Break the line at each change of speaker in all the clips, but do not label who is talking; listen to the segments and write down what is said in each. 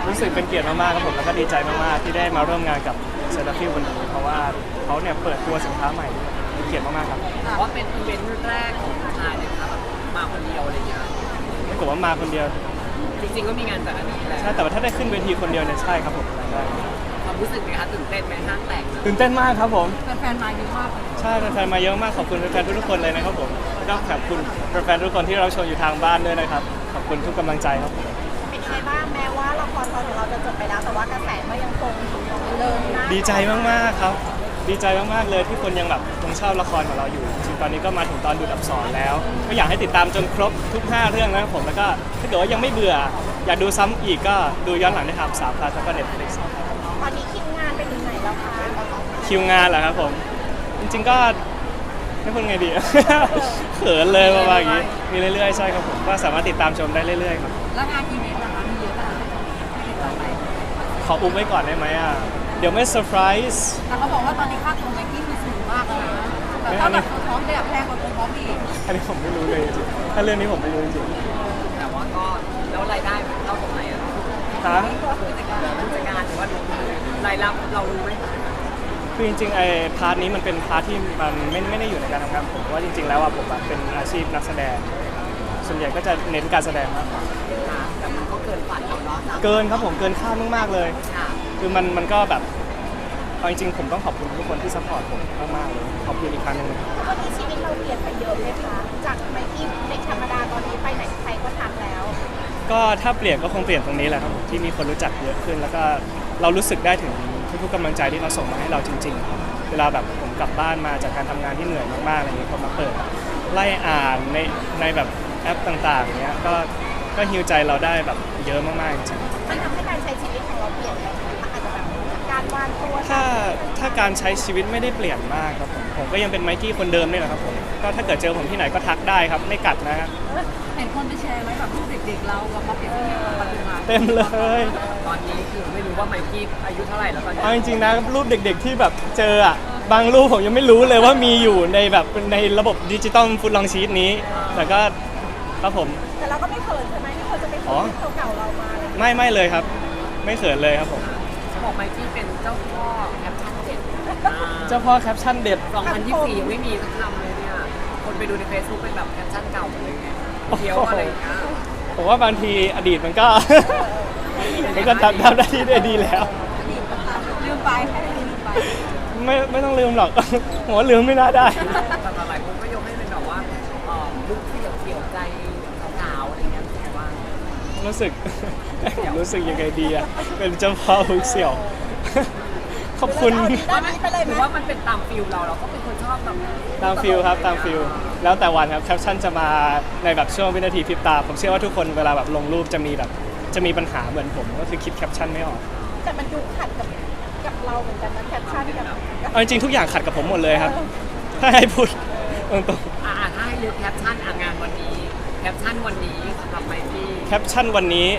รู้สึกเป็นเกียรติมากๆครับผมแล้วก็ดีใจมากๆที่ได้มาร่วมงานกับเซราฟิลวันนี้เพราะว่าเขาเนี่ยเปิดตัวสินค้าใหม่เป็นเกียรติมากๆครับ
ว่าเป็นอีเวนต์แรกของชายเลยครับมาคนเดียวอะไรเงี้ย
ไม่กลัวว่ามาคนเดียว
จริงๆก็มีงานจากอันนี้แหละ
ใช่แต่ว่าถ้าได้ขึ้นเวทีคนเดียวเนี่ยใช่ครับผมได้
ความรู้สึกไหมคะตื่นเต้นไหมห้างแตก
ตื่นเต้นมากครับผม
แฟนๆมาเยอะมาก
ใช่แฟนๆมาเยอะมากขอบคุณแฟนๆทุกๆคนเลยนะครับผมก็ขอบคุณแฟนๆทุกคนที่เราชมอยู่ทางบ้านด้วยนะครับขอบคุณทุกกำลังใจครับผม
เป็นยังไงบ้างแม้ว่าละครตอนของเราจะจบไปแล้วแต่ว่ากระแสก็ยังคงเดินหน้า
ดีใจมากๆครับดีใจมากๆเลยที่คนยังแบบยังชอบละครของเราอยู่จริงๆตอนนี้ก็มาถึงตอนดูดอับสรแล้วก็อยากให้ติดตามจนครบทุก5เรื่องนะครับผมแล้วก็ถ้าเกิดว่ายังไม่เบื่ออยากดูซ้ำอีกก็ดูย้อนหลังได้ทาง3 พลัสแล้วก็ Netflix
ตอนนี้คิวงานไปถึงไหนแล้วคะ
คิวงานเหรอครับผมจริงๆก็ไม่พูดไงดี เขินเลยประมาณอย่างนี้มีเรื่อยๆใช่ครับผมก็สามารถติดตามชมได้เรื่อยๆครับ
แล้วงานอีเวนต์นะคะมีเยอะขนาดไหนไม่ติดต่อไป
ขออุ้มไว้ก่อนได้ไหมอ่ะเดี๋ยวไม่เซอร์ไพรส์
แต่เขาบอกว่าตอนนี้ค่าตัวไมค์กี้คือสูงมากแล้วนะแต่ถ้าแบบตัวพร้อมแบบแพงกว่าตัวพร้อมอีก
อันนี้ผมไม่รู้เลยจริงๆถ้าเรื่องนี้ผมไม่รู้จริง
แต่ว่าก็แล้วรายได้มันเข้าตรงไหนอะ
ๆฮะ
ผู้จัดการหรือว่าดูรายรับเรารู้ไหม
คือจริงๆไอ้พาร์ทนี้มันเป็นพาร์ทที่มันไม่ได้อยู่ในการทำงานผมเพราะว่าจริงๆแล้วอ่ะผมอะเป็นอาชีพนักแสดง ส่วนใหญ่ก็จะเน้นการแสดงมากกว่า
แต่มันก็เกินฝันเราเนาะ
เกินครับผมเกินคาดมากๆเลย
ค่ะ
คือมันก็แบบเอาจริงๆผมต้องขอบคุณทุกคนที่ซัพพอร์ตผมมากๆเลยขอบคุณอีกครั้งหนึง
วันนี้ชีวิตเราเปลี่ยนไปเยอะเลยค่ะจากไมค์กี้เด็กธรรมดาตอนนี้ไปไหนใครก็ทักแล้ว
ก็ถ้าเปลี่ยนก็คงเปลี่ยนตรงนี้แหละครับผมที่มีคนรู้จักเยอะขึ้น แล้วก็เรารู้สึกได้ถึงทุกๆกำลังใจที่เขาส่งมาให้เราจริงๆ เวลาแบบผมกลับบ้านมาจากการทำงานที่เหนื่อยมากๆอะไรอย่างเงี้ยพอมาเปิดไล่อ่านในแบบแอปต่างๆเนี้ยก็ฮิวใจเราได้แบบเยอะมากๆจริงๆ
มันทำให้การใช้ชีวิตของเราเปลี่ยนไปไหมคะอาจจะแบบการวางตัว
ถ้าการใช้ชีวิตไม่ได้เปลี่ยนมากครับผมก็ยังเป็นไมค์กี้คนเดิมนี่แหละครับผมก็ถ้าเกิดเจอผมที่ไหนก็ทักได้ครับไม่กัดนะฮะ
เห็นคนไปแชร์ไหมแบบรูปเด็กๆเรากับมาเปลี่ยนที่นี่ปัจจุบัน
เต็มเลย
ตอนนี้คือไม่รู้ว่าไมค์กี้อายุเท่าไหร่แล้วตอนนี้
เอาจริงๆนะรูปเด็กๆที่แบบเจออ่ะบางรูปผมยังไม่รู้เลยว่ามีอยู่ในแบบในระบบดิจิตอลฟุตลองชีตนี้ แต่ก็ครับผม
แต่เราก็ไม่เขินใช่ไหมที่คนจะไป
อ๋
เขิ
อ
นเก่าๆเรามาอะไรอย่างเงี้ย
ไม่เลยครับ ไม่เขินเลยครับผม
เขาบอกไมค์กี้เป็นเจ้าพ่อแคปชั่นเด็ด
เจ้าพ่อแคปชั่นเด็ด
2024ยังไม่มีสักคำเลยเนี่ยคนไปดูใน Facebook เป็นแบบแคปชั่นเก่าหมดเลยไงเที่ยวอะไรอย่างเงี้ย
ผมว่าบางทีอดีตมันก็ มันก็ทำได้ที่ได้ดีแล้ว
ลืมไปให้ลืมไป
ไม่ต้องลืมหรอก ผมว่าลืมไม่น่าได้
แต่หลายคนก็ยกให้เป็นแบบว่าลุคที่แบบเกี่ยวใจสาวๆอะไรเงี้ยแต่ว่า
รู้สึก รู้สึกยังไงดีอะเป็นเจ้าพ่อฮุกเสี่ยว ขอบคุณ
ด้านนี้ไปเลย
ห
ไหม
รือว่ามันเป็นตามฟิลเราก็เป็นคนชอบแบบ
ตามฟิลครับตามฟิลแล้วแต่วันครับแคปชั่นจะมาในแบบช่วงวินาทีพริบตา ผมเชื่อว่าทุกคนเวลาแบบลงรูปจะมีปัญหาเหมือนผมก็คือคิดแคปชั่นไม่ออก
แต่มันดูขัดกับเราเหมือนกันนะแคปชั่นกับ
เอาจริงๆทุกอย่างขัดกับผมหมดเลยครับ ถ้าให้พูดตรง
ถ้าให้เลือกแคปชั่นงานวันนี้แคปชั่นวันนี้สำหรับไมค์กี้
ๆแคปชั่นวันนี้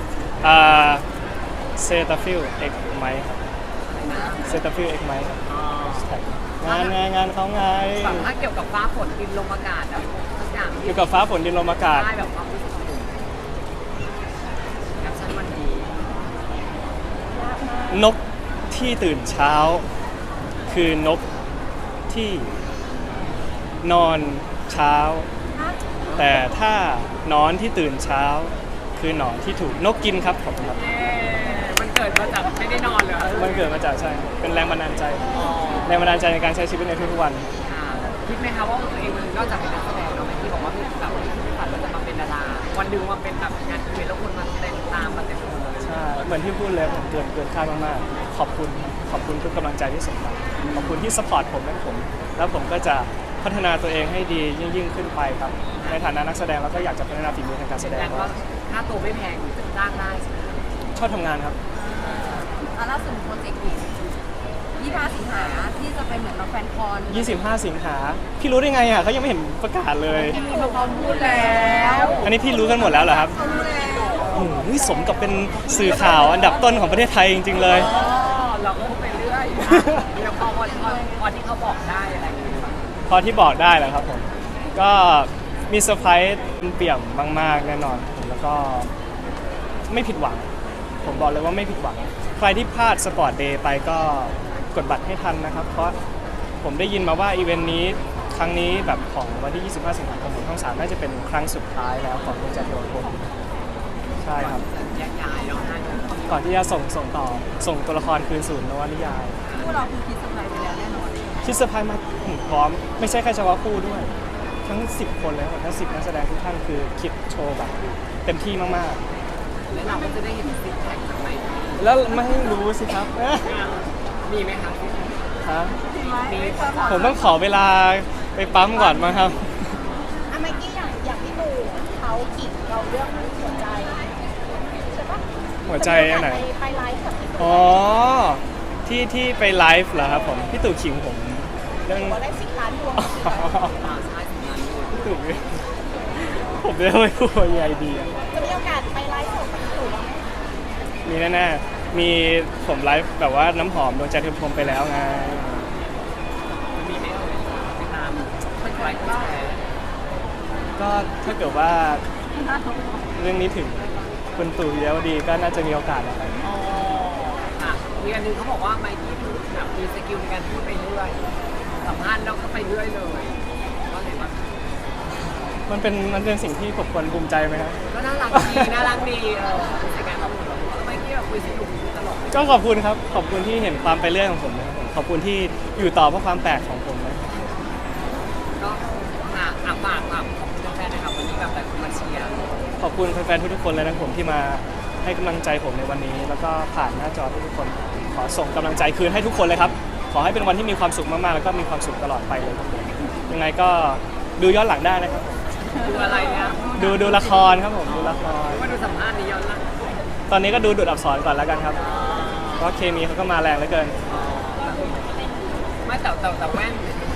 เซตาฟิลเอ็กไมค์ครับเซตาฟิลเอ็กไมค์งานเขาไง
แบบถ้าเกี่ยวกับฟ้าฝนดินลมอากาศแบบทุกอย่าง
อยู่กับฟ้าฝนดินลมอากาศ
ได้แบบความรู้สึกของผมแคปชั่นวันนี้
นกที่ตื่นเช้า คือนกที่นอนเช้า แต่ถ้านอนที่ตื่นเช้า คือหนอนที่ถูกนกกินครับผมครับ
มันเกิดมาจากไม่ได้นอนเหรอ
มันเกิดมาจากใช่เป็นแรงบันดาลใจ
อ๋อ
แรงบันดาลใจในการใช้ชีวิตในทุกๆวัน
คิดไหมคะว่าตัวเองนอกจากเป็นนักแสดงเนาะที่บอกว่าแบบที่ฝันว่าจะมาเป็นดาราวันหนึ่งมาเป็นแบบงานอีเวนต์แล้วคนมาเต้นตามมาเต็มไปหมดเลย
ใช่เหมือนที่พูดเลยผมเกินคาดมากๆขอบคุณทุกกำลังใจที่ส่งมาขอบคุณที่สปอร์ตผมและผม แล้วผมก็จะพัฒนาตัวเองให้ดียิ่งขึ้นไปครับในฐานะนักแสดงแล้วก็อยากจะพัฒนาฝีมือทางการแสดง
แต่ว่าค่าตัวไม่แพงจะจ้างได้ใช่ไหม
ชอบทำงานครับ
ล่าสุดโปรเจกต์25 สิงหาที่จะเป็นเหมือนเราแฟนคอน
25 สิงหาพี่รู้ได้ไงอ่ะเขายังไม่เห็นประกาศเลย
มีมาพร้อมพูดแล้ว
อันนี้พี่รู้กันหมดแล้วเหรอครับ
รู้แล้ว
โอ้โหสมกับเป็นสื่อข่าวอันดับต้นของประเทศไทยจริงๆเลย
เราก็พูดไปเรื่อยแล้วพอที่เขาบอกได้อะไรอย่างเงี้ย
พอที่บอกได้แหละครับผม ก็มีเซอร์ไพรส์เปี่ยมมากๆแน่นอนแล้วก็ไม่ผิดหวังผมบอกเลยว่าไม่ผิดหวังใครที่พลาดสปอร์ตเดย์ไปก็กดบัตรให้ทันนะครับ เพราะผมได้ยินมาว่าอีเวนต์นี้ครั้งนี้แบบของวันที่ 25 สิงหาคมของช่อง 3น่าจะเป็นครั้งสุดท้ายแล้วของดวงใจดวงผมใช่ครับ
แยกย้ายเนาะนะ
ก่อนที่จะส่งต่อส่งตัวละครคืนสู่นวนิยาย
พวกเราคือคิดสบายไปแล้วแน่นอน
คิดเซอร์ไพรส์มาพร้อมไม่ใช่แค่เฉพาะคู่ด้วย ทั้ง 10 คนเลยครับทั้ง 10 นักแสดงทุกท่านคือคิดโชว์แบบเต็มที่มาก
แล้วเราก็จะได้เห็นซิกแพคจากไหน
ๆ แล้วไม่รู้สิครับ
มีไหมคะ
ฮะ
มี
ผมต้องขอเวลาไปปั๊มก่อนมั้งครับ
อะไมกี้อย่างพี่ตู่เขาขิงเราเรื่องหัวใจใช่ปะ
หัวใจอันไหน
ไปไลฟ์กับพี่ตู่
อ๋อที่ไปไลฟ์เหรอครับผมพี่ตู่ขิงผมเรื่อง
บอกได้10 ล้านดวง
ใช่สินั้น
พี่ตู่ผมจะไม่พูดยังไงดีอะ
จะมีโอกาสไปไลฟ์กับพี่ตู่บ้างไหม
มีแน่ๆมีผมไลฟ์แบบว่าน้ำหอมดวงใจเทมพรมไปแล้วไง
มีไหมเอ่ยไปตามเป็นไลฟ์แชร์
ก็ถ้าเกิดว่าเรื่องนี้ถึงคุณตู่เยาวดีก็น่าจะมีโอกาสนะครับ
อ๋อค่ะมีอันนึงเขาบอกว่าไมค์กี้พูดแบบมีสกิลในการพูดไปเรื่อยสัมภาษณ์แล้วก็ไปเรื่อยเลยก็เห็นว่า
มันเป็นสิ่งที่ผมควรภูมิใจไหมครับ
ก็น่ารักดีน่ารักดีในการข้อมูลเราไมค์กี้แบบคุยสนุกตลอด
ก็ขอบคุณครับขอบคุณที่เห็นความไปเรื่อยของผมนะครับผมขอบคุณที่อยู่ต่อเพราะความแปลกของผมนะครับ
ก็ฝากขอบคุณแฟนๆนะครับวันนี้แบบแต่คนมาเชียร์
ขอบคุณแฟนๆทุกๆคนเลยนะครับผมที่มาให้กำลังใจผมในวันนี้ แล้วก็ผ่านหน้าจอทุกๆคน ขอส่งกำลังใจคืนให้ทุกคนเลยครับขอให้เป็นวันที่มีความสุขมากๆแล้วก็มีความสุขตลอดไปเลยครับผมยังไงก็ดูย้อนหลังได้นะครับผม
ดูอะไรเนี่ย
ดูละครครับผมดูละคร
ว่าดูสัมภาษณ์นี้ย้อนหลัง
ตอนนี้ก็ดูดูดอักษรก่อนแล้วกันครับเพราะเคมีเขาก็มาแรงเหลือเกิน
ไม่แต่แว่น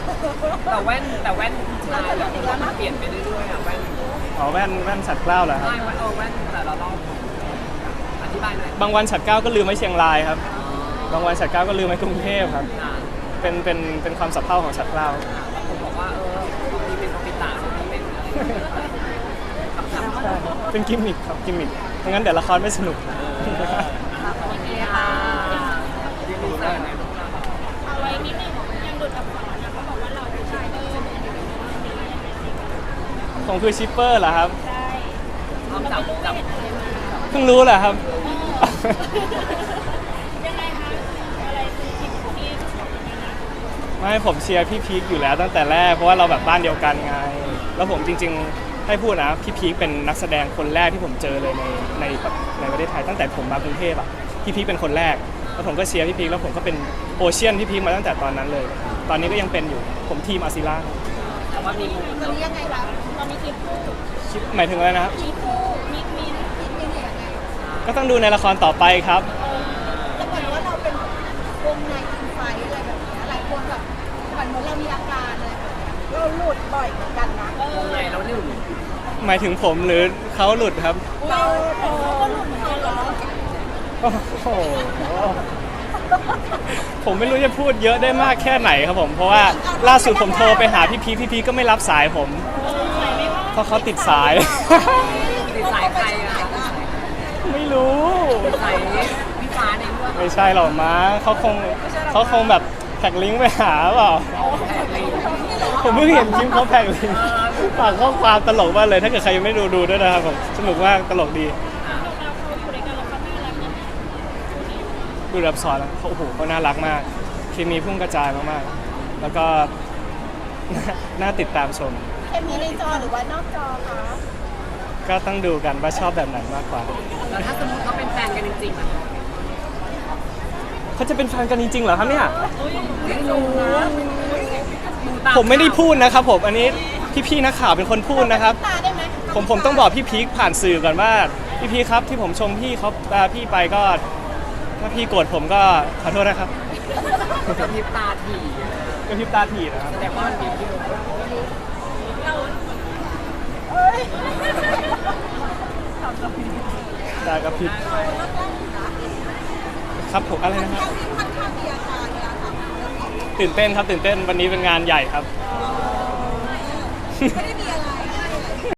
ชายแบบมันเปลี่ยนไปเรื่อยๆอ่ะแว่น
อ๋อแว่นฉัดเกล้าเหรอครับ
ใช่แว่นแต่ละรอบอธิบายหน่อย
บางวันฉัดเกล้าก็ลืมไว้เชียงรายครับบางวันฉัดเกล้าก็ลืมไว้กรุงเทพครับ
อ่า
เป็นความสับเพร่าของฉัดเกล้า
บางคนบอกว่าบางทีเป็นคอมพิวเตอร์บางทีเป็นอะไรคำถาม
ใช่เป็นกิมมิคครับกิมมิคไม่งั้นเดี๋ยวละครไม่สนุก
สวัสดีค่ะยินดีเจอในรูปเรา
เอาไว้นิดนึงยังดุดอักษรนะเขาบอกว่าเราผู้ชายที่เป็นอย่างนี้
ผมคือชิปเปอร์เหรอครับ
ได้
พร้อมจับ
เพิ่งรู้เหรอครับ
ยังไงคะอะไรคือที่ยังไงนะ
ไม่ผมเชียร์พี่พีคอยู่แล้วตั้งแต่แรกเพราะว่าเราแบบบ้านเดียวกันไง แล้วผมจริงๆให้พูดนะพี่พีคเป็นนักแสดงคนแรกที่ผมเจอเลยในประเทศไทยตั้งแต่ผมมากรุงเทพอ่ะพี่พีคเป็นคนแรกแล้วผมก็เชียร์พี่พีคแล้วผมก็เป็นโอเชียนพี่พีคมาตั้งแต่ตอนนั้นเลย ตอนนี้ก็ยังเป็นอยู่ผมทีมอาซิล่า
แต่ว่ามี
ตอนนี้ยังไงคะตอนนี้คลิปคู่
หมายถึงอะไรนะครับ
คลิปคู่มิกมินยังไง
ก็ต้องดูในละครต่อไปครับ
แล้วเหมือนว่าเราเป็นวงในอินไฟอะไรแบบนี้หลายคนแบบเหมือนเรามีอาการอะไรแบบนี้เราหลุดบ่อยเหมือนกันนะ
วงในแล้วหนึ่ง
หมายถึงผมหรือเขาหลุดครับ
เราก็หลุดเหมือนกันเหรอ
โอ้โห ผมไม่รู้จะพูดเยอะได้มากแค่ไหนครับผม เพราะว่าล่าสุดผมโทรไปหาพี่พีก็ไม่รับสายผม เพราะเขาติดสาย
ติดสายใครอะคะ
ไม่รู้
ติดสายพี่ฟ้าในเรื่อง
ไม่ใช่หรอกม้าเขาคงแบบแท็กลิงก์ไปหาเปล่า
แผงลิง
ผมเพิ่งเห็นคลิปเขาแท็กลิงก์ฝากข้อความตลกมากเลย ถ้าเกิดใครยังไม่ดูด้วยนะครับผมสนุกมากตลกดี ดูรับสอนแล้วเขาโอ้โหเขาน่ารักมากเคมีพุ่งกระจายมากๆ แล้วก็ น่าติดตามชม
เคมีในจอหรือว่านอกจอคะ
ก็ต้องดูกันว่าชอบแบบไหนมากกว่า
แล้วถ้าสมมติเขาเป็นแฟนกันจริงๆอะ
เขาจะเป็นแฟนกันจริงๆเหรอครับเนี่ย
ไม่รู้
ผมไม่ได้พูดนะครับผม อันนี้พี่ๆนักข่าวเป็นคนพูดนะครับ
ตาได้ไหม
ผมต้องบอกพี่พีคผ่านสื่อก่อนว่าพี่พีคครับที่ผมชมพี่เขาพี่ไปก็ถ้าพี่โกรธผมก็ขอโทษนะครับ
กระพริบตาถี่
ก็พริบตาถีนะครับ
แสดงว่ามันมีพิรุธ
เอ้ย
ตากระพริบครับผมอะไรนะครับ
ค่อนข้างมีอาการเวลาทำเรื่องนี้
ตื่นเต้นครับตื่นเต้นวันนี้เป็นงานใหญ่ครับ
ไม่ได้